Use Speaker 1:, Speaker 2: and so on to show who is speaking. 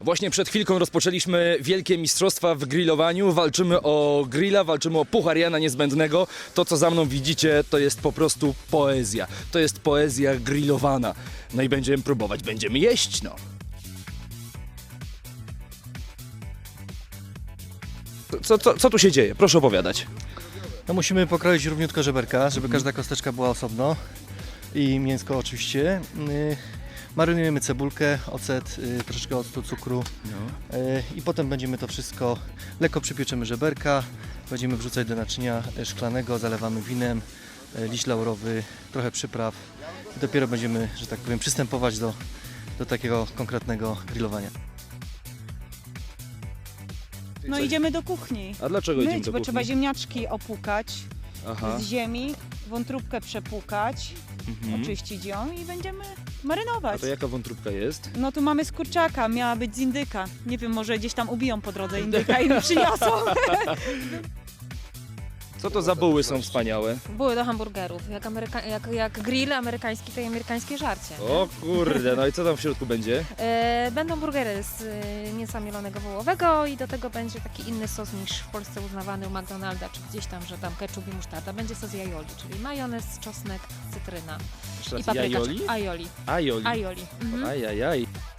Speaker 1: Właśnie przed chwilką rozpoczęliśmy wielkie mistrzostwa w grillowaniu. Walczymy o grilla, walczymy o puchar Jana Niezbędnego. To, co za mną widzicie, to jest po prostu poezja. To jest poezja grillowana. No i będziemy próbować, będziemy jeść, no. Co tu się dzieje? Proszę opowiadać.
Speaker 2: No musimy pokroić równiutko żeberka, żeby każda kosteczka była osobno i mięsko oczywiście. Marynujemy cebulkę, ocet, troszeczkę octu, cukru i potem będziemy to wszystko, lekko przypieczemy żeberka, będziemy wrzucać do naczynia szklanego, zalewamy winem, liść laurowy, trochę przypraw i dopiero będziemy, że tak powiem, przystępować do takiego konkretnego grillowania.
Speaker 3: No idziemy do kuchni.
Speaker 1: A dlaczego idziemy
Speaker 3: Myć,
Speaker 1: do
Speaker 3: bo
Speaker 1: kuchni?
Speaker 3: trzeba ziemniaczki opłukać
Speaker 1: Aha.
Speaker 3: z ziemi, wątróbkę przepłukać, oczyścić ją i będziemy
Speaker 1: A
Speaker 3: marynować.
Speaker 1: to jaka wątróbka jest?
Speaker 3: No tu mamy z kurczaka, miała być z indyka. Nie wiem, może gdzieś tam ubiją po drodze indyka i mi przyniosą.
Speaker 1: Co to za buły są wspaniałe?
Speaker 4: Były do hamburgerów. Jak grill amerykański, to i amerykańskie żarcie.
Speaker 1: O kurde, no i co tam w środku będzie?
Speaker 4: Będą burgery z mięsa mielonego wołowego i do tego będzie taki inny sos niż w Polsce uznawany u McDonalda, czy gdzieś tam, że tam ketchup i musztarda. Będzie sos aioli, czyli majonez, czosnek, cytryna
Speaker 1: Jeszcze
Speaker 4: i
Speaker 1: raz,
Speaker 4: papryka.
Speaker 1: jajoli?
Speaker 4: Aioli.
Speaker 1: Aioli.
Speaker 4: Aioli. Mhm.
Speaker 1: Ajajaj.